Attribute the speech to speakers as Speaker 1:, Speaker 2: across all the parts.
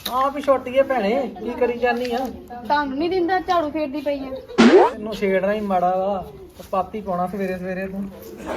Speaker 1: ਆਪ ਹੀ ਛੋਟੀ ਹੈ ਭੈਣੇ, ਕੀ ਕਰੀ ਜਾਨੀ ਆ?
Speaker 2: ਤੁਹਾਨੂੰ ਨਹੀਂ ਦਿੰਦਾ, ਝਾੜੂ ਫੇਰਦੀ ਪਈ ਆ।
Speaker 1: ਤੈਨੂੰ ਛੇੜਨਾ ਹੀ ਮਾੜਾ ਵਾ, ਪਾਤੀ ਪਾਉਣਾ ਸਵੇਰੇ ਸਵੇਰੇ ਤੂੰ।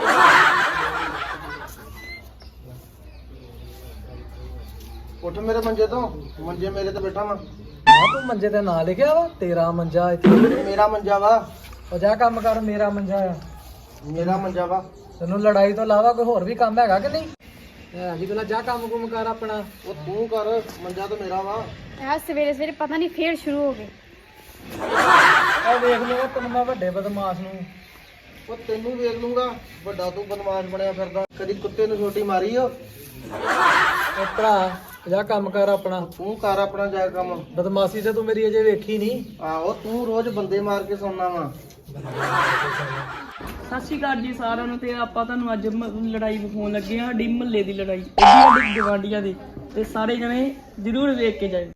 Speaker 3: ਉੱਠ ਮੇਰੇ ਮੰਜੇ ਤੋਂ, ਮੰਜੇ ਮੇਰੇ ਤੇ ਬੈਠਾ ਵਾ।
Speaker 1: ਤੂੰ ਮੰਜੇ ਤੇ ਨਾਂ ਲਿਖਿਆ ਵਾ? ਤੇਰਾ ਮੰਜਾ ਇੱਥੇ।
Speaker 3: ਮੇਰਾ ਮੰਜਾ ਵਾ।
Speaker 1: ਉਹ ਜਾ ਕੰਮ ਕਰ, ਮੇਰਾ ਮੰਜਾ ਆ।
Speaker 3: ਮੇਰਾ ਮੰਜਾ ਵਾ।
Speaker 1: ਤੈਨੂੰ ਲੜਾਈ ਤੋਂ ਇਲਾਵਾ ਕੋਈ ਹੋਰ ਵੀ ਕੰਮ ਹੈਗਾ ਕਿ ਨਹੀਂ? ਅੱਜ ਕੱਲ੍ਹ ਜਾ ਕੰਮ ਕੁਮ ਕਰ ਆਪਣਾ।
Speaker 3: ਉਹ ਤੂੰ ਕਰ, ਮੰਜਾ ਤਾਂ ਮੇਰਾ ਵਾ।
Speaker 2: ਆ ਸਵੇਰੇ ਸਵੇਰੇ ਪਤਾ ਨਹੀਂ ਫੇਰ ਸ਼ੁਰੂ ਹੋ ਗਏ।
Speaker 1: ਆ ਵੇਖ ਲਓ ਤੈਨੂੰ ਮੈਂ ਵੱਡੇ ਬਦਮਾਸ਼ ਨੂੰ।
Speaker 3: ਉਹ ਤੈਨੂੰ ਵੇਖ ਲੂੰਗਾ, ਵੱਡਾ ਤੂੰ ਬਦਮਾਸ਼ ਬਣਿਆ ਫਿਰਦਾ। ਕਦੀ ਕੁੱਤੇ ਨੂੰ ਛੋਟੀ ਮਾਰੀ ਓ।
Speaker 1: ਉਹ ਭਰਾ ਜਾ ਕੰਮ ਕਰ ਆਪਣਾ।
Speaker 3: ਤੂੰ ਕਰ ਆਪਣਾ ਜਾ ਕੰਮ।
Speaker 1: ਬਦਮਾਸ਼ੀ ਤੇ ਤੂੰ ਮੇਰੀ ਅਜੇ ਵੇਖੀ ਨਹੀਂ।
Speaker 3: ਆਹੋ ਤੂੰ ਰੋਜ਼ ਬੰਦੇ ਮਾਰ ਕੇ ਸੌਣਾ ਵਾ।
Speaker 4: ਸਤਿ ਸ਼੍ਰੀ ਅਕਾਲ ਜੀ ਸਾਰਿਆਂ ਨੂੰ। ਤੇ ਆਪਾਂ ਤੁਹਾਨੂੰ ਅੱਜ ਲੜਾਈ ਵਿਖਾਉਣ ਲੱਗੇ ਆ, ਸਾਡੀ ਮੁਹੱਲੇ ਦੀ ਲੜਾਈ, ਸਾਡੀ ਗਵਾਂਢੀਆਂ ਦੀ। ਤੇ ਸਾਰੇ ਜਣੇ ਜ਼ਰੂਰ ਵੇਖ ਕੇ ਜਾਇਓ।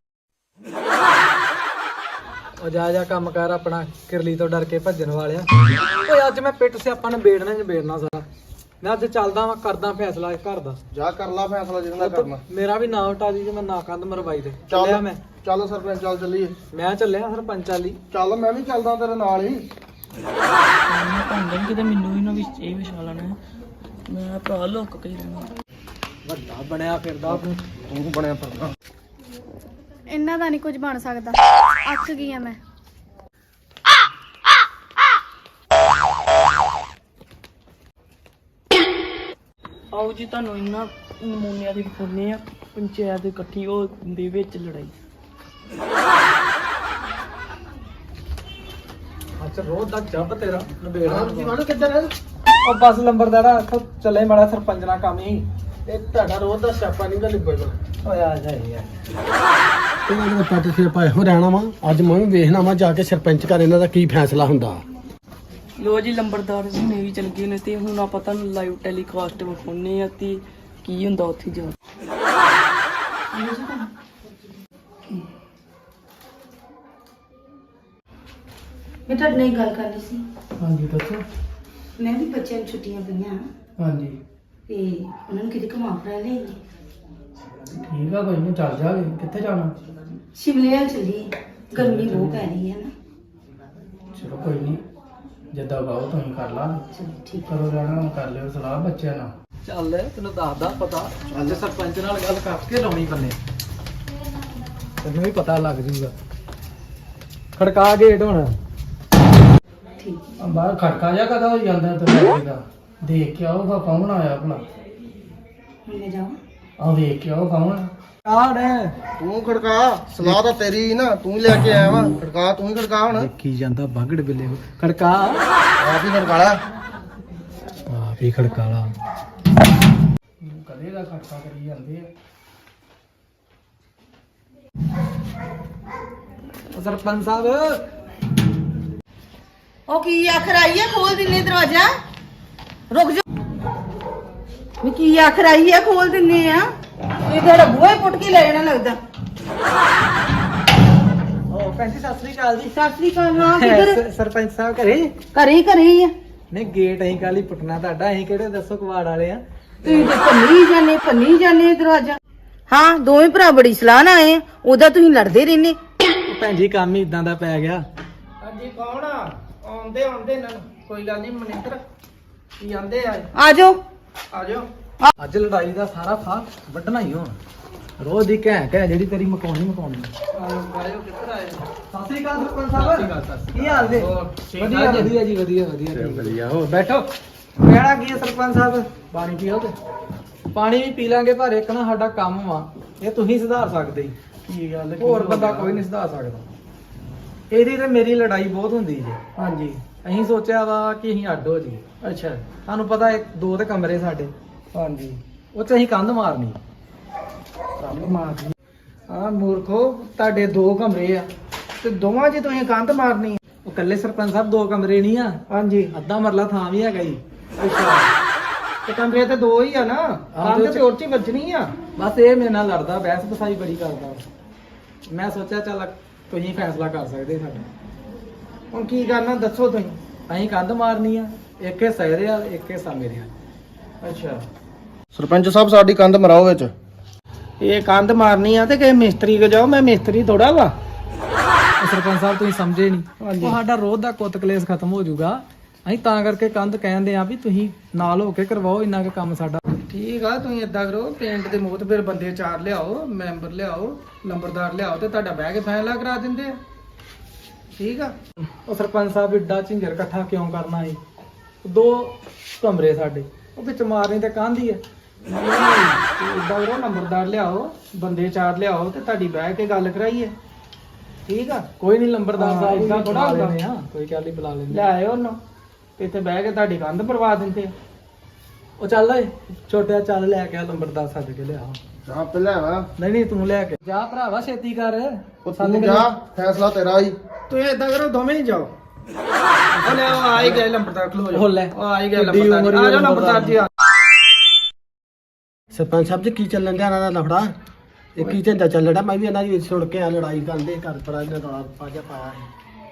Speaker 1: ਉਹ ਜਾ ਕੰਮ ਕਰ ਆਪਣਾ, ਕਿਰਲੀ ਤੋਂ ਡਰ ਕੇ ਭੱਜਣ ਵਾਲਿਆ। ਓਏ ਅੱਜ ਮੈਂ ਪਿੱਟ ਸਿਆਪਾ ਨਿਬੇੜਨਾ ਹੀ ਨਿਬੇੜਨਾ ਸਾਰਾ। ਮੈਂ ਅੱਜ ਚੱਲਦਾ ਵਾਂ, ਕਰਦਾ ਫੈਸਲਾ ਇਸ ਘਰ ਦਾ।
Speaker 3: ਜਾ ਕਰ ਲਾ ਫੈਸਲਾ ਜਿਹਦਾ ਕਰਨਾ।
Speaker 1: ਮੇਰਾ ਵੀ ਨਾਂ ਉਟਾ ਦੀ ਜੇ ਮੈਂ ਨਾ ਕੰਧ ਮਰਵਾਈ ਤੇ। ਚੱਲਿਆ ਮੈਂ।
Speaker 3: ਚੱਲ ਸਰਪੰਚ, ਚੱਲ ਚੱਲੀਏ।
Speaker 1: ਮੈਂ ਚੱਲਿਆ ਸਰਪੰਚ ਵਾਲੀ।
Speaker 3: ਚੱਲ ਮੈਂ ਵੀ ਚੱਲਦਾ ਤੇਰੇ ਨਾਲ ਹੀ।
Speaker 4: ਭਾਂਡਣ ਕਿਤੇ ਮੈਨੂੰ ਵੀ ਨਾ ਵਿੱਚ ਇਹ ਵਿਛਾ ਲੈਣਾ। ਮੈਂ ਭਰਾ ਲੁੱਕ ਕੇ ਹੀ ਰਹਿਣਾ।
Speaker 1: ਵੱਡਾ ਬਣਿਆ ਫਿਰਦਾ ਤੂੰ।
Speaker 3: ਤੂੰ ਬਣਿਆ ਫਿਰਦਾ।
Speaker 2: ਇਹਨਾਂ ਦਾ ਨਹੀਂ ਕੁਝ ਬਣ ਸਕਦਾ। ਅੱਕ ਗਈ ਆ ਮੈਂ।
Speaker 4: ਆਓ ਜੀ ਤੁਹਾਨੂੰ ਇਹਨਾਂ ਨਮੂਨਿਆਂ ਦੇ ਵਿਖਾਉਂਦੇ ਆ ਪੰਚਾਇਤ ਇਕੱਠੀ ਹੋ ਦੇ ਵਿੱਚ ਲੜਾਈ।
Speaker 1: ਅੱਛਾ ਰੋਜ਼ ਦਾ ਜੱਬ ਤੇਰਾ ਨਿਬੇੜਨਾ।
Speaker 3: ਜੀਵਨ ਕਿੱਧਰ ਹੈ?
Speaker 1: ਉਹ ਬਸ ਲੰਬਰਦਾਰਾ ਇੱਥੋਂ ਚੱਲੇ ਮਾੜਾ ਸਰਪੰਚ ਨਾਲ ਕੰਮ ਹੀ।
Speaker 3: ਇਹ ਤੁਹਾਡਾ ਰੋਜ਼ ਦਾ ਛਾਪਾ ਨਹੀਂ ਗਾ ਨਿਬੜਦਾ।
Speaker 1: ਓਏ ਆ ਜਾ ਯਾਰ।
Speaker 3: ਇਹਨਾਂ ਦੇ ਪੱਟ ਸਿਰ ਪਾਏ ਹੋ ਰਹਿਣਾ ਵਾ। ਅੱਜ ਮੈਂ ਵੀ ਵੇਖਣਾ ਵਾ ਜਾ ਕੇ ਸਰਪੰਚ ਘਰ ਇਹਨਾਂ ਦਾ ਕੀ ਫੈਸਲਾ ਹੁੰਦਾ।
Speaker 4: ਲੋ ਜੀ ਲੰਬਰਦਾਰ ਜੀ ਨੇ ਵੀ ਚਲ ਗਏ ਨੇ ਤੇ ਹੁਣ ਆਪਾਂ ਤੁਹਾਨੂੰ ਲਾਈਵ ਟੈਲੀਕਾਸਟ ਵਿਖਾਉਂਦੇ ਆ ਤੇ ਕੀ ਹੁੰਦਾ ਉੱਥੇ ਜਾ।
Speaker 5: ਮੈਂ ਤੁਹਾਡੇ ਨਾਲ ਇੱਕ ਗੱਲ ਕਰਨੀ ਸੀ।
Speaker 1: ਹਾਂਜੀ ਦੱਸੋ।
Speaker 5: ਮੈਂ ਵੀ ਬੱਚਿਆਂ ਨੂੰ ਛੁੱਟੀਆਂ ਪਈਆਂ
Speaker 1: ਹਾਂਜੀ
Speaker 5: ਤੇ ਉਹਨਾਂ ਨੂੰ ਕਿਤੇ ਘੁਮਾ ਫਿਰਾ ਲਿਆਈਏ।
Speaker 1: ਠੀਕ ਆ, ਕੋਈ ਨਹੀਂ ਚੱਲ ਜਾਗੇ। ਕਿੱਥੇ ਜਾਣਾ?
Speaker 5: ਸ਼ਿਮਲੇ ਵੱਲ ਚੱਲੀਏ, ਗਰਮੀ ਬਹੁਤ ਪੈ ਰਹੀ ਹੈ ਨਾ।
Speaker 1: ਚਲੋ ਕੋਈ ਨਹੀਂ, ਜਿੱਦਾਂ ਬਾਹੋ ਤੁਸੀਂ ਕਰ ਲਾ।
Speaker 5: ਚਲੋ ਠੀਕ
Speaker 1: ਕਰੋ ਜਾਣਾ, ਕਰ ਲਿਓ ਸਲਾਹ ਬੱਚਿਆਂ ਨਾਲ। ਚੱਲ ਤੈਨੂੰ ਦੱਸਦਾ ਪਤਾ। ਅੱਜ ਸਰਪੰਚ ਨਾਲ ਗੱਲ ਕਰਕੇ ਲਾਉਣੀ ਬੰਨੇ, ਤੈਨੂੰ ਵੀ ਪਤਾ ਲੱਗ ਜੂਗਾ। ਖੜਕਾ ਗੇਟ ਹੁਣ।
Speaker 5: ਠੀਕ।
Speaker 1: ਬਾਹਰ ਖੜਕਾ ਜਾ ਕਦਾ ਹੋ ਜਾਂਦਾ ਤੇ ਦੇਖ ਕੇ ਆਊਗਾ ਕੌਣ ਆਇਆ ਭਲਾ।
Speaker 5: ਹੁਣ ਮੈਂ ਜਾਵਾਂ?
Speaker 1: ਆ ਵੇਖ ਕੇ ਆਓ ਕੌਣ ਆੜ ਹੈ।
Speaker 3: ਤੂੰ ਖੜਕਾ, ਸਲਾਹ ਤਾਂ ਤੇਰੀ ਹੀ ਨਾ, ਤੂੰ ਲੈ ਕੇ ਆਇਆ ਵਾ। ਖੜਕਾ, ਤੂੰ ਹੀ ਖੜਕਾ ਹੁਣ।
Speaker 1: ਦੇਖੀ ਜਾਂਦਾ ਬਾਗੜ ਬਿੱਲੇ ਖੜਕਾ।
Speaker 3: ਆਪ ਹੀ ਖੜਕਾਲਾ।
Speaker 1: ਆਪ ਹੀ ਖੜਕਾਲਾ। ਕਦੇ ਦਾ ਖੜਕਾ ਕਰੀ ਜਾਂਦੇ ਆ। ਸਰਪੰਚ ਸਾਹਿਬ
Speaker 5: ਉਹ ਕੀ ਆਖਰ ਆਈ ਹੈ? ਖੋਲ ਦਿੰਨੇ ਦਰਵਾਜ਼ਾ। ਰੁਕ ਜਾ। ਮੈਂ ਕੀ ਆਖਰ ਆਈ ਹੈ? ਖੋਲ ਦਿੰਨੇ ਆ। ਇਹ ਤੇਰਾ ਬੂਹਾ ਹੀ ਪੁੱਟ ਕੇ ਲੈ ਜਾਣਾ ਲੱਗਦਾ।
Speaker 1: ਓ ਭੈਣ ਜੀ ਸਤਿ ਸ੍ਰੀ ਅਕਾਲ ਜੀ।
Speaker 5: ਸਤਿ ਸ੍ਰੀ ਅਕਾਲ। ਹਾਂ ਕਿੱਧਰ?
Speaker 1: ਸਰਪੰਚ ਸਾਹਿਬ ਘਰੇ?
Speaker 5: ਘਰੇ ਹੀ ਆ।
Speaker 1: ਨਹੀਂ ਗੇਟ ਅਸੀਂ ਕੱਲ ਹੀ ਪੁੱਟਣਾ ਤੁਹਾਡਾ। ਅਸੀਂ ਕਿਹੜੇ ਦੱਸੋ ਕਵਾੜ ਵਾਲੇ ਆ।
Speaker 5: ਤੁਸੀਂ ਤੇ ਭੰਨੀ ਜਾਨੇ ਦਰਵਾਜ਼ਾ। ਹਾਂ ਦੋਵੇਂ ਭਰਾ ਬੜੀ ਸਲਾਹ ਨਾਲ ਆਏ ਆ। ਉਹਦਾ ਤੁਸੀਂ ਲੜਦੇ ਰਹਿੰਦੇ।
Speaker 1: ਭੈਣ ਜੀ ਕੰਮ ਹੀ ਇਦਾਂ ਦਾ ਪੈ ਗਿਆ।
Speaker 3: ਹਾਂਜੀ ਕੌਣ ਆ? ਆਉਂਦੇ ਇਹਨਾਂ ਨੂੰ ਕੋਈ ਗੱਲ ਨਹੀਂ। ਮਨਿੰਦਰ ਕੀ ਆਂਦੇ ਆ?
Speaker 5: ਆ ਜਾਓ।
Speaker 3: ਆ ਜਾਓ।
Speaker 1: ਅੱਜ ਲੜਾਈ ਦਾ ਸਾਰਾ ਫਾਹ ਵੱਢਣਾ ਹੀ ਹੁਣ। ਰੋਜ਼ ਦੀ ਘੈਂ ਜਿਹੜੀ ਤੇਰੀ ਮਕਾਉਣੀ।
Speaker 3: ਆਇਓ ਕਿੱਧਰ ਆਏ?
Speaker 1: ਸਤਿ ਸ੍ਰੀ ਅਕਾਲ ਸਰਪੰਚ ਸਾਹਿਬ। ਕੀ ਹਾਲ ਜੀ? ਵਧੀਆ ਜੀ, ਵਧੀਆ। ਹੋ ਬੈਠੋ। ਕਹਿਣਾ ਕੀ ਹੈ ਸਰਪੰਚ ਸਾਹਿਬ? ਪਾਣੀ ਪੀਓ ਤੇ। ਪਾਣੀ ਵੀ ਪੀ ਲਾਂਗੇ, ਪਰ ਇੱਕ ਨਾ ਸਾਡਾ ਕੰਮ ਵਾ, ਇਹ ਤੁਸੀਂ ਸੁਧਾਰ ਸਕਦੇ ਜੀ।
Speaker 3: ਕੀ ਗੱਲ?
Speaker 1: ਹੋਰ ਬੰਦਾ ਕੋਈ ਨਹੀਂ ਸੁਧਾਰ ਸਕਦਾ। ਇਹਦੀ ਤੇ ਮੇਰੀ ਲੜਾਈ ਬਹੁਤ ਹੁੰਦੀ ਜੀ।
Speaker 3: ਹਾਂਜੀ।
Speaker 1: ਅਸੀਂ ਸੋਚਿਆ ਵਾ ਕਿ ਅਸੀਂ ਅੱਡ ਹੋ ਜੀ।
Speaker 3: ਅੱਛਾ।
Speaker 1: ਤੁਹਾਨੂੰ ਪਤਾ ਦੋ ਤੇ ਕਮਰੇ ਸਾਡੇ,
Speaker 3: ਹਾਂਜੀ।
Speaker 1: ਉਹ ਚ ਅਸੀਂ ਕੰਧ ਮਾਰਨੀ।
Speaker 3: ਕੰਮ ਮਾਰਨੀ? ਹਾਂ ਮੂਰਖੋ, ਤੁਹਾਡੇ 2 ਕਮਰੇ ਆ ਤੇ ਦੋਵਾਂ 'ਚ ਤੁਸੀਂ ਕੰਧ ਮਾਰਨੀ?
Speaker 1: ਉਹ ਇਕੱਲੇ ਸਰਪੰਚ ਸਾਹਿਬ 2 ਕਮਰੇ ਨਹੀਂ ਆ,
Speaker 3: ਹਾਂਜੀ।
Speaker 1: ਅੱਧਾ ਮਰਲਾ ਥਾਂ ਵੀ ਹੈਗਾ ਜੀ।
Speaker 3: ਅੱਛਾ। ਤੇ ਕਮਰੇ ਤੇ 2 ਹੀ ਆ ਨਾ, ਕੰਧ ਤੇ ਹੋਰ 'ਚ ਹੀ ਵੱਜਣੀ ਆ।
Speaker 1: ਬਸ ਇਹ ਮੇਰੇ ਨਾਲ ਲੜਦਾ, ਬਹਿਸ ਬਸਾਈ ਬੜੀ ਕਰਦਾ। ਮੈਂ ਸੋਚਿਆ ਚੱਲ ਤੁਸੀਂ ਫੈਸਲਾ ਕਰ ਸਕਦੇ ਸਾਡਾ।
Speaker 3: ਹੁਣ ਕੀ ਕਰਨਾ ਦੱਸੋ ਤੁਸੀਂ?
Speaker 1: ਅਸੀਂ ਕੰਧ ਮਾਰਨੀ ਆ, ਇੱਕ ਹਿੱਸਾ ਇਹਦੇ ਆ, ਇੱਕ ਹਿੱਸਾ ਮੇਰੇ ਆ।
Speaker 3: ਅੱਛਾ। ਸਰਪੰਚ ਸਾਹਿਬ ਸਾਡੀ ਕੰਧ ਮਰਾਓ ਵਿੱਚ। ਇਹ ਕੰਧ ਮਾਰਨੀ ਆ ਤੇ ਕਿ ਮਿਸਤਰੀ ਕੋ ਜਾਓ, ਮੈਂ ਮਿਸਤਰੀ ਥੋੜਾ ਵਾ।
Speaker 1: ਸਰਪੰਚ ਸਾਹਿਬ ਤੁਸੀਂ ਸਮਝੇ ਨਹੀਂ,
Speaker 3: ਹਾਂਜੀ।
Speaker 1: ਉਹ ਸਾਡਾ ਰੋਜ਼ ਦਾ ਕੁੱਤ ਕਲੇਸ਼ ਖਤਮ ਹੋ ਜਾਊਗਾ। ਅਸੀਂ ਤਾਂ ਕਰਕੇ ਕੰਧ ਕਹਿੰਦੇ ਆ ਵੀ ਤੁਸੀਂ ਨਾਲ ਹੋ ਕੇ ਕਰਵਾਓ ਇੰਨਾ ਕੁ ਕੰਮ ਸਾਡਾ।
Speaker 3: ਠੀਕ ਆ, ਤੁਸੀਂ ਏਦਾਂ ਕਰੋ, ਪਿੰਡ ਦੇ ਮੋਹਤ ਫਿਰ ਬੰਦੇ 4 ਲਿਆਓ, ਮੈਂਬਰ ਲਿਆਓ, ਲੰਬਰਦਾਰ ਲਿਆਓ ਤੇ ਤੁਹਾਡਾ ਬਹਿ ਕੇ ਫੈਸਲਾ ਕਰਾ ਦਿੰਦੇ ਆ। ਠੀਕ ਆ।
Speaker 1: ਉਹ ਸਰਪੰਚ ਸਾਹਿਬ ਏਡਾ ਝਿੰਜਰ ਇਕੱਠਾ ਕਿਉਂ ਕਰਨਾ ਸੀ? 2 ਕਮਰੇ ਸਾਡੇ, ਉਹ ਵਿੱਚ ਮਾਰਨੀ ਤੇ ਕੰਧ ਹੀ ਹੈ।
Speaker 3: ਏਦਾਂ ਕਰੋ, ਲੰਬਰਦਾਰ ਲਿਆਓ, ਬੰਦੇ 4 ਲਿਆਓ ਤੇ ਤੁਹਾਡੀ ਬਹਿ ਕੇ ਗੱਲ ਕਰਾਈਏ। ਠੀਕ ਆ।
Speaker 1: ਕੋਈ ਨਹੀਂ, ਲੰਬਰਦਾਰ ਸਾਹਿਬ
Speaker 3: ਏਦਾਂ
Speaker 1: ਏਦਾਂ
Speaker 3: ਥੋੜ੍ਹਾ
Speaker 1: ਥੋੜਾ
Speaker 3: ਹੁੰਦਾ।
Speaker 1: ਕੋਈ ਗੱਲ ਨਹੀਂ, ਬੁਲਾ ਲੈਂਦੇ।
Speaker 3: ਲਿਆਇਓ ਉਹਨੂੰ, ਇੱਥੇ ਬਹਿ ਕੇ ਤੁਹਾਡੀ ਕੰਧ ਪਰਵਾ ਦਿੰਦੇ ਆ।
Speaker 1: ਉਹ ਚੱਲ ਓਏ ਛੋਟਿਆ, ਚੱਲ ਲੈ ਕੇ ਆ ਲੰਬਰਦਾਰ ਸੱਦ ਕੇ ਲਿਆ।
Speaker 6: ਜਾ ਪਹਿਲਾਂ ਵਾ
Speaker 1: ਨਹੀਂ ਤੂੰ ਲੈ ਕੇ ਜਾ ਭਰਾਵਾ, ਛੇਤੀ ਕਰ।
Speaker 6: ਤੂੰ ਜਾ, ਫੈਸਲਾ ਤੇਰਾ ਹੀ।
Speaker 3: ਤੁਸੀਂ ਏਦਾਂ ਕਰੋ, ਦੋਵੇਂ ਹੀ ਜਾਓ। ਉਹ ਲੈ ਆ ਹੀ ਗਏ ਲੰਬਰਦਾਰ, ਖਲੋ ਜਾ।
Speaker 1: ਉਹ ਲੈ।
Speaker 3: ਆ ਹੀ ਗਏ
Speaker 1: ਕਿੱਡੀ
Speaker 3: ਲੰਬਰਦਾਰ,
Speaker 1: ਉਮਰ
Speaker 3: ਆ ਜਾਓ
Speaker 1: ਦੀ
Speaker 3: ਲੰਬਰਦਾਰ ਜੀ। ਆ
Speaker 6: ਸਰਪੰਚ ਸਾਹਿਬ ਜੀ ਕੀ ਚੱਲਣ ਡਿਆ ਇਹਨਾਂ ਦਾ ਲਫੜਾ? ਇਹ ਕੀ ਝੰਡਾ ਚੱਲ ਰਿਹਾ? ਮੈਂ ਵੀ ਇਹਨਾਂ ਦੀ ਸੁਣ ਕੇ ਆ ਲੜਾਈ ਕਰਦੇ ਘਰ ਪਰ ਇਹਨਾਂ ਦਾ ਪਾਜਾ ਪਾਇਆ ਹੈ।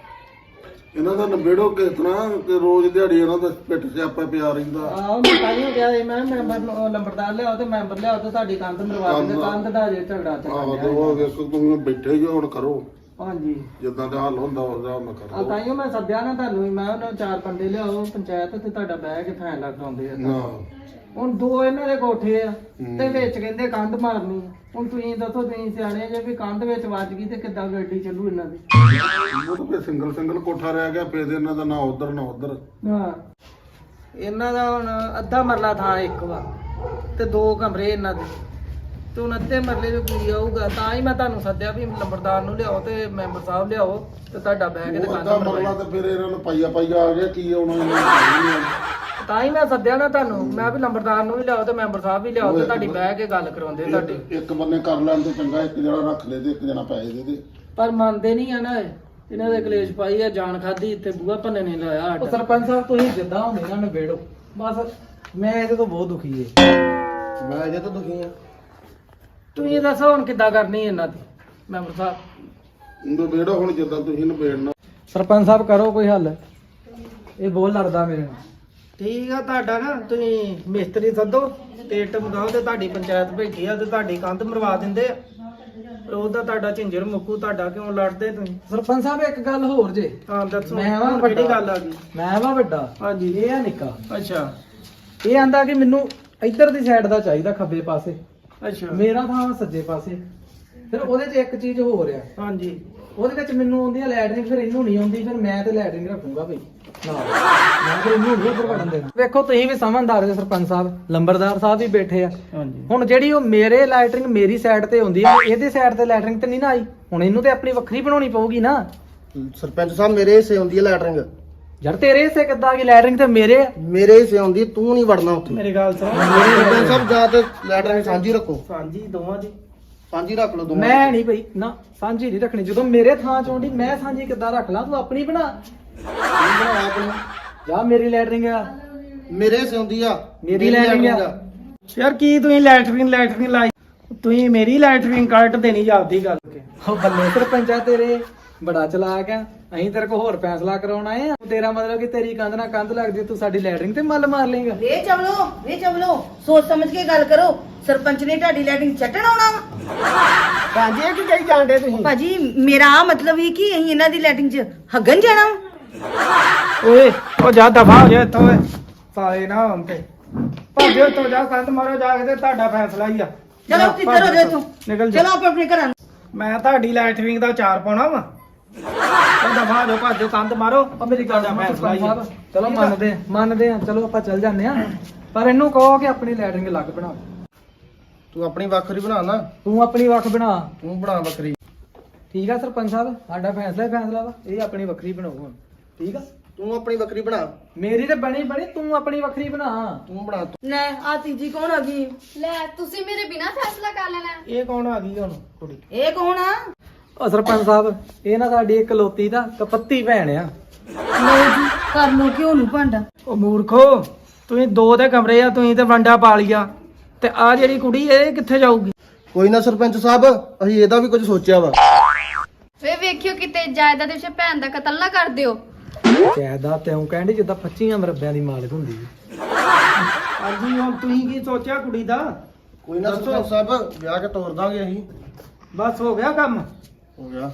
Speaker 7: ਇਹਨਾਂ ਦਾ ਨਵੇੜੋ ਕਿਤਨਾ ਕਿ ਰੋਜ਼ ਦਿਹਾੜੀ ਇਹਨਾਂ ਦਾ ਪਿੱਠ ਸਿਆਪਾ ਪਿਆ ਰਹਿੰਦਾ।
Speaker 3: ਆਹ ਮੈਂ ਕਾਹਨੂੰ ਕਿਹਾ ਸੀ, ਮੈਂ ਮੈਂਬਰ ਨੂੰ ਲੰਬਰਦਾਰ ਲਿਆਓ ਤੇ ਮੈਂਬਰ ਲਿਆਓ ਤੇ ਤੁਹਾਡੀ ਕੰਧ ਮਰਵਾ ਦਿੰਦੇ। ਕੰਧ ਦਾ ਜੇ ਝਗੜਾ
Speaker 7: ਆਹੋ
Speaker 3: ਚੱਲ
Speaker 7: ਤੇ ਉਹ ਵੇਖੋ ਤੁਸੀਂ ਬੈਠੇ ਹੀ ਹੋ, ਹੁਣ ਕਰੋ
Speaker 3: ਹਾਂਜੀ।
Speaker 7: ਜਿੱਦਾਂ ਦਾ ਹੱਲ ਹੁੰਦਾ ਉਹਦਾ ਮੈਂ ਕਰ
Speaker 3: ਆ
Speaker 7: ਲਓ।
Speaker 3: ਤਾਈਓ ਮੈਂ ਸੱਦਿਆ ਨਾ ਤੁਹਾਨੂੰ, ਮੈਂ ਉਹਨਾਂ 4 ਬੰਦੇ ਲਿਆਓ ਪੰਚਾਇਤ ਤੇ ਤੁਹਾਡਾ ਬਹਿ ਕੇ ਫੈਸਲਾ ਕਰਾਉਂਦੇ ਆ।
Speaker 7: ਨਾ
Speaker 3: ਹੁਣ 2 ਇਹਨਾਂ ਦੇ ਕੋਠੇ ਆ ਤੇ ਵਿੱਚ ਕਹਿੰਦੇ ਕੰਧ ਮਾਰਨੀ ਆ। ਹੁਣ ਤੁਸੀਂ ਦੱਸੋ, ਤੁਸੀਂ ਸਿਆਣੇ ਜੇ ਵੀ ਕੰਧ ਵਿੱਚ ਵੱਜ ਗਈ ਤੇ ਕਿੱਦਾਂ ਗੱਡੀ ਚੱਲੂ ਇਹਨਾਂ ਦੀ?
Speaker 7: ਉਹ ਤਾਂ ਸਿੰਗਲ ਕੋਠਾ ਰਹਿ ਗਿਆ, ਫੇਰ ਇਹਨਾਂ ਦਾ ਨਾ ਉਧਰ ਨਾ ਉਧਰ।
Speaker 3: ਹਾਂ, ਇਹਨਾਂ ਦਾ ਹੁਣ ਅੱਧਾ ਮਰਲਾ ਥਾਂ ਇੱਕ ਵਾ ਤੇ 2 ਕਮਰੇ ਇਹਨਾਂ ਦੇ, ਤੇ ਹੁਣ ਅੱਧੇ ਮਰਲੇ ਦੇ ਕੋਈ ਆਊਗਾ। ਤਾਂ ਹੀ ਮੈਂ ਤੁਹਾਨੂੰ ਸੱਦਿਆ ਵੀ ਲੰਬਰਦਾਰ ਨੂੰ ਲਿਆਓ ਤੇ ਮੈਂਬਰ ਸਾਹਿਬ ਲਿਆਓ ਤੇ ਤੁਹਾਡਾ ਬਹਿ ਕੇ ਤੇ
Speaker 7: ਉਹ
Speaker 3: ਕੰਧ
Speaker 7: ਅੱਧਾ
Speaker 3: ਮਰਵਾਈ।
Speaker 7: ਮਰਲਾ ਤੇ ਫਿਰ ਇਹਨਾਂ ਨੂੰ ਪਾਈਆ ਆ ਗਿਆ, ਕੀ ਆਉਣਾ ਇਹਨਾਂ ਨੂੰ?
Speaker 3: ਤਾਂ ਹੀ ਮੈਂ ਸੱਦਿਆ ਨਾ ਤੁਹਾਨੂੰ, ਮੈਂ ਵੀ ਲੰਬਰਦਾਰ ਨੂੰ ਵੀ ਲਿਆਓ ਤੇ ਮੈਂਬਰ ਸਾਹਿਬ ਵੀ ਲਿਆਓ ਤੇ ਤੁਹਾਡੀ ਬਹਿ ਕੇ ਗੱਲ ਕਰਵਾਉਂਦੇ ਤੁਹਾਡੀ।
Speaker 7: ਇੱਕ ਬੰਨੇ ਕਰ ਲੈਣ ਤੇ ਚੰਗਾ, ਇੱਕ ਜਣਾ ਰੱਖ ਲੈ ਤੇ ਇੱਕ ਜਣਾ ਪੈਸੇ ਦੇ ਦੇ।
Speaker 3: ਪਰ ਮੰਨਦੇ ਨਹੀਂ ਆ ਨਾ ਇਹ। ਇਹਨਾਂ ਦੇ ਕਲੇਸ਼ ਪਾਈ ਆ, ਜਾਨ ਖਾਦੀ ਇੱਥੇ ਬੂਹਾ ਭੰਨੇ ਨੇ ਲਾਇਆ
Speaker 1: ਉਹ
Speaker 3: ਸਾਡਾ।
Speaker 1: ਸਰਪੰਚ ਸਾਹਿਬ ਤੁਸੀਂ ਜਿੱਦਾਂ ਹੁੰਦੇ ਨਾ ਨਵੇੜੋ ਬਸ। ਮੈਂ ਇਹਦੇ ਤੋਂ ਬਹੁਤ ਦੁਖੀ ਏ।
Speaker 6: ਮੈਂ ਅਜੇ ਤਾਂ ਦੁਖੀ ਆ।
Speaker 3: ਤੁਸੀਂ ਦੱਸੋ ਹੁਣ ਕਿੱਦਾਂ ਕਰਨੀ ਇਹਨਾਂ ਦੀ ਮੈਂਬਰ ਸਾਹਿਬ?
Speaker 7: ਨਵੇੜੋ ਹੁਣ ਜਿੱਦਾਂ ਤੁਸੀਂ ਨਵੇੜਨਾ।
Speaker 1: ਸਰਪੰਚ ਸਾਹਿਬ ਕਰੋ ਕੋਈ ਹੱਲ, ਇਹ ਬਹੁਤ ਲੜਦਾ ਮੇਰੇ ਨਾਲ।
Speaker 3: ਠੀਕ ਆ, ਤੁਹਾਡਾ ਨਾ ਤੁਸੀਂ ਮਿਸਤਰੀ ਸੱਦੋ ਤੇ ਇੱਟ ਮਗਾਓ ਤੇ ਤੁਹਾਡੀ ਪੰਚਾਇਤ ਭੇਜੀ ਆ ਤੇ ਤੁਹਾਡੀ ਕੰਧ ਮਰਵਾ ਦਿੰਦੇ ਆ। ਉਹਦਾ ਤੁਹਾਡਾ ਝਿੰਜਰ ਮੁੱਕੂ। ਤੁਹਾਡਾ ਕਿਉਂ ਲੜਦੇ ਤੁਸੀਂ?
Speaker 1: ਸਰਪੰਚ ਸਾਹਿਬ ਇੱਕ ਗੱਲ ਹੋਰ ਜੇ,
Speaker 3: ਹਾਂ ਦੱਸੋ,
Speaker 1: ਮੈਂ ਵਾਂ
Speaker 3: ਹੁਣ ਕਿਹੜੀ ਗੱਲ ਆ ਗਈ?
Speaker 1: ਮੈਂ ਵਾ ਵੱਡਾ,
Speaker 3: ਹਾਂਜੀ।
Speaker 1: ਇਹ ਆ ਨਿੱਕਾ।
Speaker 3: ਅੱਛਾ
Speaker 1: ਇਹ ਆਂਦਾ ਕਿ ਮੈਨੂੰ ਇੱਧਰ ਦੀ ਸਾਈਡ ਦਾ ਚਾਹੀਦਾ, ਖੱਬੇ ਪਾਸੇ।
Speaker 3: ਅੱਛਾ।
Speaker 1: ਮੇਰਾ ਥਾਂ ਸੱਜੇ ਪਾਸੇ। ਫਿਰ ਉਹਦੇ 'ਚ ਇੱਕ ਚੀਜ਼ ਹੋ ਰਿਹਾ,
Speaker 3: ਹਾਂਜੀ।
Speaker 1: ਉਹਦੇ ਵਿੱਚ ਮੈਨੂੰ ਆਉਂਦੀ ਆ ਲੈਟਰਿੰਗ, ਫਿਰ ਇਹਨੂੰ ਨਹੀਂ ਆਉਂਦੀ। ਫਿਰ ਮੈਂ ਤੇ ਲੈਟਰਿੰਗ ਰੱਖੂੰਗਾ ਭਈ ਨਾ, ਮੈਂ ਫਿਰ ਇਹਨੂੰ ਨਹੀਂ ਉੱਪਰ ਵੜਨ ਦੇਣਾ। ਵੇਖੋ ਤੁਸੀਂ ਵੀ ਸਮਝਦਾਰ ਜੇ ਸਰਪੰਚ ਸਾਹਿਬ, ਲੰਬਰਦਾਰ ਸਾਹਿਬ ਵੀ ਬੈਠੇ ਆ।
Speaker 3: ਹਾਂਜੀ।
Speaker 1: ਹੁਣ ਜਿਹੜੀ ਉਹ ਮੇਰੇ ਲੈਟਰਿੰਗ ਮੇਰੀ ਸਾਈਡ ਤੇ ਹੁੰਦੀ ਆ, ਇਹਦੇ ਸਾਈਡ ਤੇ ਲੈਟਰਿੰਗ ਤੇ ਨਹੀਂ ਨਾ ਆਈ। ਹੁਣ ਇਹਨੂੰ ਤੇ ਆਪਣੀ ਵੱਖਰੀ ਬਣਾਉਣੀ ਪਊਗੀ ਨਾ।
Speaker 6: ਸਰਪੰਚ ਸਾਹਿਬ ਮੇਰੇ ਹਿੱਸੇ ਆਉਂਦੀ ਹੈ ਲੈਟਰਿੰਗ।
Speaker 1: ਯਾਰ ਤੇਰੇ ਹਿੱਸੇ ਕਿੱਦਾਂ ਗਈ ਲੈਟਰਿੰਗ ਤੇ ਮੇਰੇ ਆ।
Speaker 6: ਮੇਰੇ ਹਿੱਸੇ ਆਉਂਦੀ, ਤੂੰ ਨਹੀਂ ਵੜਨਾ ਉੱਥੇ।
Speaker 3: ਮੇਰੀ ਗੱਲ ਸੁਣੋ।
Speaker 6: ਸਰਪੰਚ ਸਾਹਿਬ ਜਾ ਤੇ ਲੈਟਰਿੰਗ ਸਾਂਝੀ ਰੱਖੋ।
Speaker 3: ਸਾਂਝੀ ਦੋਵਾਂ ਦੀ।
Speaker 6: ਸਾਂਝੀ ਰੱਖ ਲਓ ਦੋਵਾਂ
Speaker 1: ਮੈਂ ਨਹੀਂ ਭਈ ਨਾ, ਸਾਂਝੀ ਨਹੀਂ ਰੱਖਣੀ। ਜਦੋਂ ਮੇਰੇ ਥਾਂ ਚ ਆਉਂਦੀ ਮੈਂ ਸਾਂਝੀ ਕਿੱਦਾਂ ਰੱਖ ਲਾਂ? ਤੂੰ ਆਪਣੀ ਬਣਾ। ਜਾ ਮੇਰੀ ਲੈਟਰਿੰਗ ਆ,
Speaker 6: ਮੇਰੇ ਹਿੱਸੇ ਆਉਂਦੀ ਆ।
Speaker 1: ਮੇਰੀ ਲੈਟਰਿੰਗ ਆ।
Speaker 3: ਯਾਰ ਕੀ ਤੁਸੀਂ ਲੈਟਰਿੰਗ ਲਾਈ? ਤੁਸੀਂ ਮੇਰੀ ਲੈਟਰਿੰਗ ਕੱਟ ਦੇਣੀ ਜਾਂਦੀ ਗੱਲ ਕੇ।
Speaker 1: ਉਹ ਬੱਲੇ ਸਰਪੰਚਾ ਤੇਰੇ, ਬੜਾ ਚਲਾਕ ਆ। ਅਸੀਂ ਤੇਰੇ ਕੋਲ ਹੋਰ ਫੈਸਲਾ ਕਰਾਉਣ ਆਏ ਆ। ਤੇਰਾ ਮਤਲਬ ਕਿ ਤੇਰੀ ਕੰਧ ਨਾਲ ਕੰਧ ਲੱਗਦੀ, ਤੂੰ ਸਾਡੀ ਲੈਟਰਿੰਗ ਤੇ ਮੱਲ ਮਾਰ ਲੇਗਾ।
Speaker 5: ਵੇ ਚਵਲੋ ਸੋਚ ਸਮਝ ਕੇ ਗੱਲ ਕਰੋ। ਸਰਪੰਚ ਨੇ ਤੁਹਾਡੀ ਲੈਟਿੰਗ ਚੱਟਣ ਆਉਣਾ ਵਾ?
Speaker 3: ਭਾਂਜੀ ਇਹ ਕੀ ਕਹੀ ਜਾਂਦੇ ਤੁਸੀਂ?
Speaker 5: ਭਾਜੀ ਮੇਰਾ ਆ ਮਤਲਬ ਹੀ ਕਿ ਅਸੀਂ ਇਹਨਾਂ ਦੀ ਲੈਟਿੰਗ 'ਚ ਹੱਗਣ ਜਾਣਾ ਵਾ।
Speaker 3: ਓਏ ਉਹ ਜਾ ਦਫਾ ਹੋ ਜਾ ਇੱਥੋਂ ਓਏ। ਸਾਲੇ ਨਾ ਹੁਣ ਤੇ ਭਾਜੋ ਇੱਥੋਂ, ਜਾ ਕੰਧ ਮਾਰੋ ਜਾ ਕੇ ਤੇ ਤੁਹਾਡਾ ਫੈਸਲਾ ਹੀ ਆ।
Speaker 5: ਚਲੋ ਕਿੱਧਰ ਹੋ ਜਾ ਇੱਥੋਂ।
Speaker 3: ਨਿਕਲ ਜਾ।
Speaker 5: ਚਲੋ ਆਪਣੇ ਘਰਾਂ ਨੂੰ।
Speaker 3: ਮੈਂ ਤੁਹਾਡੀ ਲੈਟਰਿੰਗ ਦਾ 4 ਪਾਉਣਾ ਵਾ। ਉਹ ਦਫਾ ਹੋ ਭਾਜੋ, ਕੰਧ ਮਾਰੋ।
Speaker 1: ਉਹ ਮੇਰੀ ਗੱਲ
Speaker 3: ਤੁਹਾਡਾ
Speaker 1: ਸੁਣੋ
Speaker 3: ਫੈਸਲਾ
Speaker 1: ਸਰਪੰਚ
Speaker 3: ਹੀ ਆ।
Speaker 1: ਸਾਹਿਬ, ਚਲੋ ਮੰਨਦੇ ਆ, ਚਲੋ ਆਪਾਂ ਚੱਲ ਜਾਂਦੇ ਆ। ਪਰ ਇਹਨੂੰ ਕਹੋ ਕਿ ਆਪਣੀ ਲੈਟਰਿੰਗ ਅਲੱਗ ਬਣਾ।
Speaker 6: ਤੂੰ ਆਪਣੀ ਵੱਖਰੀ ਬਣਾ ਨਾ।
Speaker 1: ਤੂੰ ਆਪਣੀ ਵੱਖ ਬਣਾ।
Speaker 6: ਤੂੰ ਬਣਾ ਵੱਖਰੀ।
Speaker 1: ਠੀਕ ਆ ਸਰਪੰਚ ਸਾਹਿਬ, ਸਾਡਾ ਫੈਸਲਾ ਹੀ ਫੈਸਲਾ ਵਾ। ਇਹ ਆਪਣੀ ਵੱਖਰੀ ਬਣਾਓ ਹੁਣ। ਠੀਕ ਆ,
Speaker 6: ਤੂੰ ਆਪਣੀ ਵੱਖਰੀ ਬਣਾ।
Speaker 1: ਮੇਰੀ ਤੇ ਬਣੀ, ਤੂੰ ਆਪਣੀ ਵੱਖਰੀ ਬਣਾ।
Speaker 6: ਤੂੰ ਬਣਾ।
Speaker 5: ਲੈ ਆ ਤੀਜੀ ਕੌਣ ਆ ਗਈ?
Speaker 2: ਲੈ ਤੁਸੀਂ ਮੇਰੇ ਬਿਨਾ ਫੈਸਲਾ ਕਰ ਲੈਣਾ।
Speaker 3: ਇਹ ਕੌਣ ਆ ਗਈ ਹੁਣ ਕੁੜੀ?
Speaker 5: ਇਹ ਕੌਣ ਆ?
Speaker 1: ਉਹ ਸਰਪੰਚ ਸਾਹਿਬ, ਇਹ ਨਾ ਸਾਡੀ ਇਕਲੌਤੀ ਦਾ ਕਪੱਤੀ ਭੈਣ ਆ।
Speaker 5: ਲਓ ਜੀ ਕਰ ਲੋ ਕਿਉਂ ਨੂੰ ਭਾਂਡਾ।
Speaker 3: ਉਹ ਮੂਰਖੋ, ਤੁਸੀਂ 2 ਦੇ ਕਮਰੇ ਆ, ਤੁਸੀਂ ਤੇ ਵੰਡਾ ਪਾ ਲਿਆ ਤੇ ਆ ਜਿਹੜੀ ਕੁੜੀ ਇਹ ਕਿੱਥੇ ਜਾਊਗੀ?
Speaker 6: ਕੋਈ ਨਾ ਸਰਪੰਚ ਸਾਹਿਬ, ਅਸੀਂ ਇਹਦਾ ਵੀ ਕੁਝ ਸੋਚਿਆ ਵਾ।
Speaker 2: ਵੇ ਵੇਖਿਓ ਕਿਤੇ ਜਾਇਦਾਦ ਦੇ ਵਿੱਚ ਭੈਣ ਦਾ ਕਤਲ ਨਾ ਕਰ ਦਿਓ।
Speaker 1: ਜਾਇਦਾਦ ਤੇ ਉਹ ਕਹਿੰਦੀ ਜਿੱਦਾਂ 25 ਮਰਬਿਆਂ ਦੀ ਮਾਲਕ ਹੁੰਦੀ ਹੈ।
Speaker 3: ਹਾਂਜੀ ਹੁਣ ਤੁਸੀਂ ਕੀ ਸੋਚਿਆ ਕੁੜੀ ਦਾ?
Speaker 6: ਕੋਈ ਨਾ ਸਰਪੰਚ ਸਾਹਿਬ ਵਿਆਹ ਕੇ ਤੋਰ ਦਾਂਗੇ ਅਸੀਂ।
Speaker 3: ਬਸ ਹੋ ਗਿਆ ਕੰਮ।
Speaker 6: ਹੋ ਗਿਆ।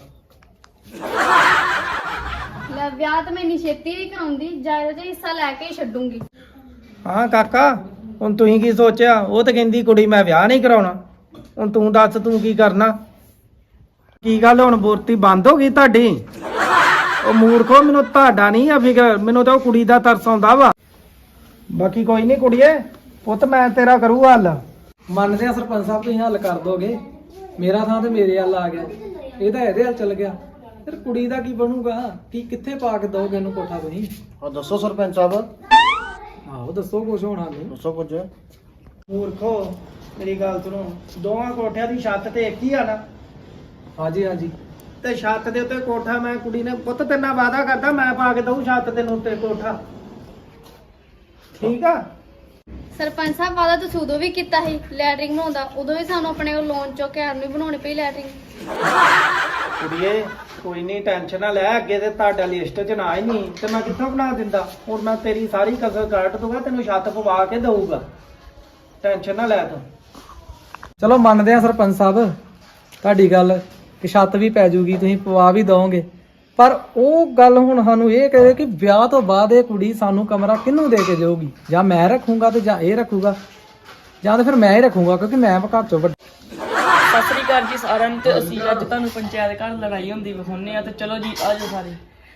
Speaker 2: ਲੈ ਵਿਆਹ ਤਾਂ ਮੈਂ ਇੰਨੀ ਛੇਤੀ ਨਹੀਂ ਕਰਾਉਂਦੀ, ਜਾਇਦਾਦ 'ਚ ਹਿੱਸਾ ਲੈ ਕੇ ਹੀ ਛੱਡੂੰਗੀ।
Speaker 3: ਹਾਂ ਕਾਕਾ, ਹੁਣ ਤੁਸੀਂ ਕੀ ਸੋਚਿਆ? ਉਹ ਤਾਂ ਕਹਿੰਦੀ ਕੁੜੀ ਮੈਂ ਵਿਆਹ ਨਹੀਂ ਕਰਾਉਣਾ। ਹੁਣ ਤੂੰ ਦੱਸ ਤੂੰ ਕੀ ਕਰਨਾ? ਕੀ ਗੱਲ ਹੁਣ ਬੋਰਤੀ ਬੰਦ ਹੋ ਗਈ ਤੁਹਾਡੀ? ਉਹ ਮੂਰਖੋ, ਮੈਨੂੰ ਤੁਹਾਡਾ ਨਹੀਂ ਆ ਫਿਕਰ, ਮੈਨੂੰ ਤਾਂ ਉਹ ਕੁੜੀ ਦਾ ਤਰਸ ਆਉਂਦਾ ਵਾ। ਬਾਕੀ ਕੋਈ ਨਹੀਂ ਕੁੜੀਏ, ਪੁੱਤ ਮੈਂ ਤੇਰਾ ਕਰੂ ਹੱਲ।
Speaker 1: ਮੰਨਦੇ ਆ ਸਰਪੰਚ ਸਾਹਿਬ, ਤੁਸੀਂ ਹੱਲ ਕਰ ਦੋਗੇ। ਮੇਰਾ ਥਾਂ ਤੇ ਮੇਰੇ ਹੱਲ ਆ ਗਿਆ, ਇਹ ਤਾਂ ਇਹਦੇ ਹੱਲ ਚੱਲ ਗਿਆ। ਫਿਰ ਕੁੜੀ ਦਾ ਕੀ ਬਣੂਗਾ? ਕੀ ਕਿੱਥੇ ਪਾ ਕੇ ਦੋਗੇ ਇਹਨੂੰ ਕੋਠਾ ਤੁਸੀਂ?
Speaker 6: ਹਾਂ ਦੱਸੋ ਸਰਪੰਚ ਸਾਹਿਬ,
Speaker 1: ਆਹੋ ਦੱਸੋ ਕੁਛ ਹੋਣਾ ਨੂੰ।
Speaker 6: ਦੱਸੋ ਕੁਝ।
Speaker 3: ਮੂਰਖੋ ਮੇਰੀ ਗੱਲ ਸੁਣੋ, ਦੋਵਾਂ ਕੋਠਿਆਂ ਦੀ ਛੱਤ ਤੇ ਇੱਕ ਹੀ ਆ ਨਾ?
Speaker 1: ਹਾਂਜੀ ਹਾਂਜੀ।
Speaker 3: ਤੇ ਛੱਤ ਦੇ ਉੱਤੇ ਕੋਠਾ ਮੈਂ ਕੁੜੀ ਨੇ ਪੁੱਤ ਤੇਰੇ ਨਾਲ ਵਾਅਦਾ ਕਰਦਾ ਮੈਂ ਪਾ ਕੇ ਦਊਂ ਛੱਤ ਦੇ ਉੱਤੇ ਕੋਠਾ, ਠੀਕ ਆ?
Speaker 2: ਸਰਪੰਚ ਸਾਹਿਬ ਵਾਦਾ ਤੁਸੀਂ ਉਦੋਂ ਵੀ ਕੀਤਾ ਸੀ ਲੈਟਰਿੰਗ ਬਣਾਉਂਦਾ, ਉਦੋਂ ਵੀ ਸਾਨੂੰ ਆਪਣੇ ਕੋਲ ਲੋਨ ਚੁੱਕ ਕੇ ਆਰਮੀ ਬਣਾਉਣੀ ਪਈ ਲੈਟਰਿੰਗ।
Speaker 3: ਕੁੜੀਏ ਕੋਈ ਨਹੀਂ, ਟੈਨਸ਼ਨ ਨਾ ਲੈ, ਅੱਗੇ ਤੇ ਤੁਹਾਡਾ ਲਿਸਟ 'ਚ ਨਾ ਹੀ ਨਹੀਂ ਤੇ ਮੈਂ ਕਿੱਥੋਂ ਬਣਾ ਦਿੰਦਾ। ਹੁਣ ਮੈਂ ਤੇਰੀ ਸਾਰੀ ਕਸਰ ਕੱਟ ਦੂੰਗਾ, ਤੈਨੂੰ ਛੱਤ ਪਵਾ ਕੇ ਦਊਗਾ, ਟੈਨਸ਼ਨ ਨਾ ਲੈ ਤੂੰ।
Speaker 1: ਚਲੋ ਮੰਨਦੇ ਆ ਸਰਪੰਚ ਸਾਹਿਬ ਤੁਹਾਡੀ ਗੱਲ ਕਿ ਛੱਤ ਵੀ ਪੈ ਜੂਗੀ, ਤੁਸੀਂ ਪਵਾ ਵੀ ਦੋਗੇ। ਪਰ ਉਹ ਗੱਲ ਹੁਣ ਸਾਨੂੰ ਇਹ ਕਹੇ ਕਿ ਵਿਆਹ ਤੋਂ ਬਾਅਦ ਇਹ ਕੁੜੀ ਸਾਨੂੰ ਕਮਰਾ ਕਿਹਨੂੰ ਦੇ ਕੇ ਜਾਊਗੀ? ਜਾਂ ਮੈਂ ਰੱਖੂੰਗਾ ਤੇ ਜਾਂ ਇਹ ਰੱਖੂਗਾ, ਜਾਂ ਤਾਂ ਫਿਰ ਮੈਂ ਹੀ ਰੱਖੂੰਗਾ ਕਿਉਂਕਿ ਮੈਂ ਘਰ ਚੋਂ ਵੱਡਾ।
Speaker 4: ਸਤਿ ਸ੍ਰੀ ਅਕਾਲ ਜੀ ਸਾਰਿਆਂ ਨੂੰ। ਤੇ ਅਸੀਂ ਅੱਜ ਤੁਹਾਨੂੰ ਪੰਚਾਇਤ ਘਰ ਲੜਾਈ ਹੁੰਦੀ ਵਿਖਾਉਂਦੇ ਆ। ਤੇ ਚਲੋ ਜੀ ਆਜੋ ਸਾਰੇ।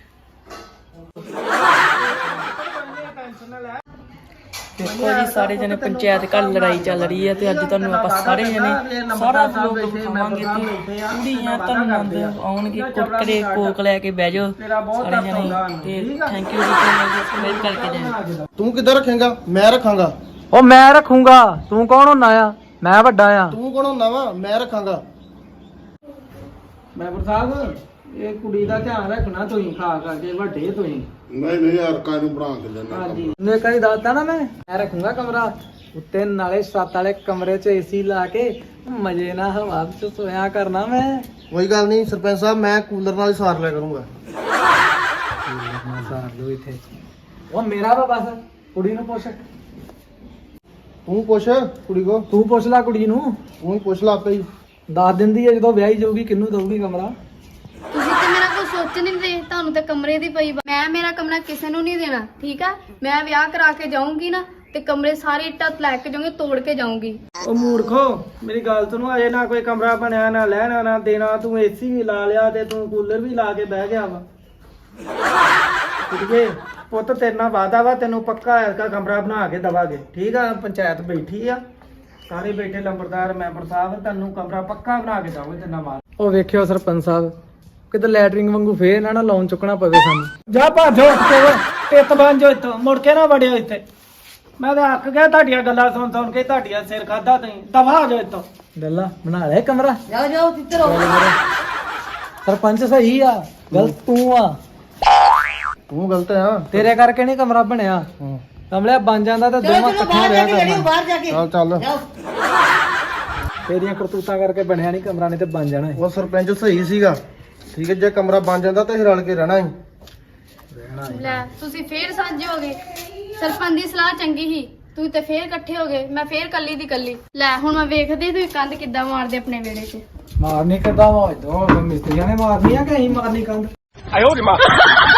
Speaker 4: ਦੇਖੋ ਜੀ ਸਾਰੇ ਜਣੇ ਪੰਚਾਇਤ ਘਰ ਲੜਾਈ ਚੱਲ ਰਹੀ ਹੈ ਤੇ ਅੱਜ ਤੁਹਾਨੂੰ ਆਪਾਂ ਸਾਰੇ ਜਣੇ ਸਾਰਾ ਵਲੋਗ ਦਿਖਾਵਾਂਗੇ। ਤੇ ਕੁੜੀਆਂ ਤੁਹਾਨੂੰ ਨੰਦ ਆਉਣਗੇ, ਕੁਰਕਰੇ ਕੋਕ ਲੈ ਕੇ ਬਹਿ ਜਾਓ ਸਾਰੇ ਜਣੇ। ਤੇ ਥੈਂਕ ਯੂ ਜੀ, ਸਬਸਕ੍ਰਾਈਬ ਕਰਕੇ ਜਾਣਾ।
Speaker 6: ਤੂੰ ਕਿੱਧਰ ਰੱਖੇਂਗਾ? ਮੈਂ ਰੱਖਾਂਗਾ।
Speaker 1: ਉਹ ਮੈਂ ਰੱਖੂੰਗਾ, ਤੂੰ ਕੌਣ ਹੁੰਦਾ ਆ? ਮੈਂ ਵੱਡਾ ਆ।
Speaker 6: ਤੂੰ ਕੌਣ ਹੁੰਦਾ ਵਾ? ਮੈਂ ਰੱਖਾਂਗਾ।
Speaker 3: ਮੈਂਬਰ ਸਾਹਿਬ ਇਹ ਕੁੜੀ ਦਾ ਧਿਆਨ ਰੱਖਣਾ ਤੁਸੀਂ, ਖਾ ਖਾ ਕੇ ਵੱਡੇ ਤੁਸੀਂ।
Speaker 7: ਨਹੀਂ ਨਹੀਂ ਯਾਰ, ਕਾਹ ਨੂੰ ਬਣਾ ਕੇ ਲੈਣਾ।
Speaker 3: ਹਾਂਜੀ
Speaker 1: ਨੇ ਕਦੀ ਦੱਸਦਾ ਨਾ ਮੈਂ ਰੱਖੂੰਗਾ ਕਮਰਾ ਉੱਤੇ, ਨਾਲੇ ਛੱਤ ਵਾਲੇ ਕਮਰੇ 'ਚ ਏਸੀ ਲਾ ਕੇ ਮਜ਼ੇ ਨਾਲ ਹਵਾ 'ਚ ਸੋਇਆ ਕਰਨਾ ਮੈਂ।
Speaker 6: ਕੋਈ ਗੱਲ ਨਹੀਂ ਸਰਪੰਚ ਸਾਹਿਬ, ਮੈਂ ਕੂਲਰ ਨਾਲ ਹੀ ਸਾਰ ਲਿਆ ਕਰੂੰਗਾ।
Speaker 1: ਸਾਰ ਲਓ ਇੱਥੇ। ਉਹ ਮੇਰਾ ਵਾ ਬਸ, ਕੁੜੀ ਨੂੰ ਪੁੱਛ।
Speaker 6: ਤੂੰ ਪੁੱਛ ਕੁੜੀ ਕੋ,
Speaker 1: ਤੂੰ ਪੁੱਛ ਲੈ ਕੁੜੀ ਨੂੰ,
Speaker 6: ਤੂੰ ਹੀ ਪੁੱਛ ਲਾ ਆਪੇ ਹੀ।
Speaker 1: ਦੱਸ ਦਿੰਦੀ ਹੈ ਜਦੋਂ ਵਿਆਹੀ ਜਾਊਗੀ ਕਿਹਨੂੰ ਦਊਗੀ ਕਮਰਾ।
Speaker 2: ਤੁਸੀਂ ਤੇ ਮੇਰਾ ਕੁਝ ਸੋਚ ਨਹੀਂ ਦੇ, ਤੁਹਾਨੂੰ ਤੇ ਕਮਰੇ ਦੀ ਪਈ। ਮੈਂ ਮੇਰਾ ਕਮਰਾ ਕਿਸੇ ਨੂੰ ਨਹੀਂ ਦੇਣਾ, ਠੀਕ ਆ? ਮੈਂ ਵਿਆਹ ਕਰਾ ਕੇ ਜਾਊਂਗੀ ਨਾ ਤੇ ਕਮਰੇ ਸਾਰੇ ਇੱਟਾਂ ਲੈ ਕੇ ਜਾਊਂਗੀ, ਤੋੜ ਕੇ ਜਾਊਂਗੀ।
Speaker 3: ਉਹ ਮੂਰਖੋ ਮੇਰੀ ਗੱਲ ਸੁਣੋ, ਅਜੇ ਨਾ ਕੋਈ ਕਮਰਾ ਬਣਿਆ, ਨਾ ਲੈਣਾ ਨਾ ਦੇਣਾ। ਤੂੰ ਏਸੀ ਵੀ ਲਾ ਲਿਆ ਤੇ ਤੂੰ ਕੂਲਰ ਵੀ ਲਾ ਕੇ ਬਹਿ ਗਿਆ ਵਾ। ਕੁੜੀਏ ਪੁੱਤ ਤੇਰੇ ਨਾਲ ਵਾਦਾ ਵਾ, ਤੈਨੂੰ ਪੱਕਾ ਐਸਾ ਕਮਰਾ ਬਣਾ ਕੇ ਦਵਾਂਗੇ, ਠੀਕ ਆ? ਪੰਚਾਇਤ ਬੈਠੀ ਆ, ਸਾਰੇ ਬੈਠੇ ਲੰਬੜਦਾਰ ਮੈਂਬਰ ਸਾਹਿਬ, ਤੈਨੂੰ ਕਮਰਾ ਪੱਕਾ ਬਣਾ ਕੇ ਦਵਾਂਗੇ ਤੇਰੇ ਨਾਲ।
Speaker 1: ਉਹ ਵੇਖਿਓ ਸਰਪੰਚ ਸਾਹਿਬ, ਕਿਤੇ ਲੈਟਰਿੰਗ ਵਾਂਗੂ ਫੇਰ ਨਾ ਲੋਨ ਚੁੱਕਣਾ ਪਵੇ ਸਾਨੂੰ।
Speaker 3: ਜਾ ਭਾਜੋ ਟਿੱਤ ਬਣ ਜਾਓ ਇੱਥੋਂ, ਮੁੜ ਕੇ ਨਾ ਵੜਿਓ ਇੱਥੇ। ਮੈਂ ਤਾਂ ਅੱਕ ਗਿਆ ਤੁਹਾਡੀਆਂ ਗੱਲਾਂ ਸੁਣ ਸੁਣ ਕੇ, ਤੁਹਾਡੀਆਂ ਸਿਰ ਖਾਦਾ ਤੁਸੀਂ। ਦਫਾ ਹੋ ਜਾਓ ਇੱਥੋਂ।
Speaker 1: ਗੱਲਾਂ ਬਣਾ ਲੈ ਕਮਰਾ।
Speaker 5: ਜਾਓ ਜਾਓ ਤਿੱਤਰ ਹੋ।
Speaker 1: ਸਰਪੰਚ ਸਹੀ ਆ, ਗਲਤ ਤੂੰ ਆ।
Speaker 6: ਤੂੰ ਗਲਤ ਆ।
Speaker 1: ਤੇਰੇ ਕਰਕੇ ਨਹੀਂ ਕਮਰਾ ਬਣਿਆ। ਕਮਲਿਆ ਬਣ ਜਾਂਦਾ ਤਾਂ
Speaker 5: ਚਲੋ
Speaker 1: ਦੋਵਾਂ
Speaker 5: ਚਲੋ
Speaker 1: ਇਕੱਠਿਆਂ
Speaker 5: ਬਾਹਰ ਜਾ
Speaker 1: ਰਿਹਾ
Speaker 5: ਕੇ ਲੜਿਓ,
Speaker 1: ਕਰਨਾ।
Speaker 5: ਬਾਹਰ ਜਾ ਕੇ।
Speaker 6: ਚੱਲ ਚੱਲ।
Speaker 5: ਜਾਓ।
Speaker 1: ਤੇਰੀਆਂ ਕਰਤੂਤਾਂ ਕਰਕੇ ਬਣਿਆ ਨਹੀਂ ਕਮਰਾ, ਨਹੀਂ ਤੇ ਬਣ ਜਾਣਾ ਸੀ।
Speaker 6: ਉਹ ਸਰਪੰਚ ਸਹੀ ਸੀਗਾ, ਠੀਕ ਹੈ? ਜੇ ਕਮਰਾ ਬਣ ਜਾਂਦਾ ਤਾਂ ਅਸੀਂ ਰਲ ਕੇ ਰਹਿਣਾ ਸੀ।
Speaker 2: ਲੈ ਤੁਸੀਂ ਫੇਰ ਸਾਂਝੇ ਹੋ ਗਏ। ਸਰਪੰਚ ਦੀ ਸਲਾਹ ਚੰਗੀ ਸੀ, ਤੁਸੀਂ ਤੇ ਫੇਰ ਇਕੱਠੇ ਹੋ ਗਏ, ਮੈਂ ਫੇਰ ਕੱਲੀ ਦੀ ਕੱਲੀ। ਲੈ ਹੁਣ ਮੈਂ ਵੇਖਦੀ ਤੁਸੀਂ ਕੰਧ ਕਿੱਦਾਂ ਮਾਰਦੇ ਆਪਣੇ ਵਿਹੜੇ 'ਚ।
Speaker 1: ਮਾਰਨੀ ਕਿੱਦਾਂ ਵਾ? ਇਧਰੋਂ ਮਿਸਤਰੀਆਂ ਨੇ ਮਾਰਨੀ ਆ ਕਿ ਅਸੀਂ ਮਾਰਨੀ ਕੰਧ?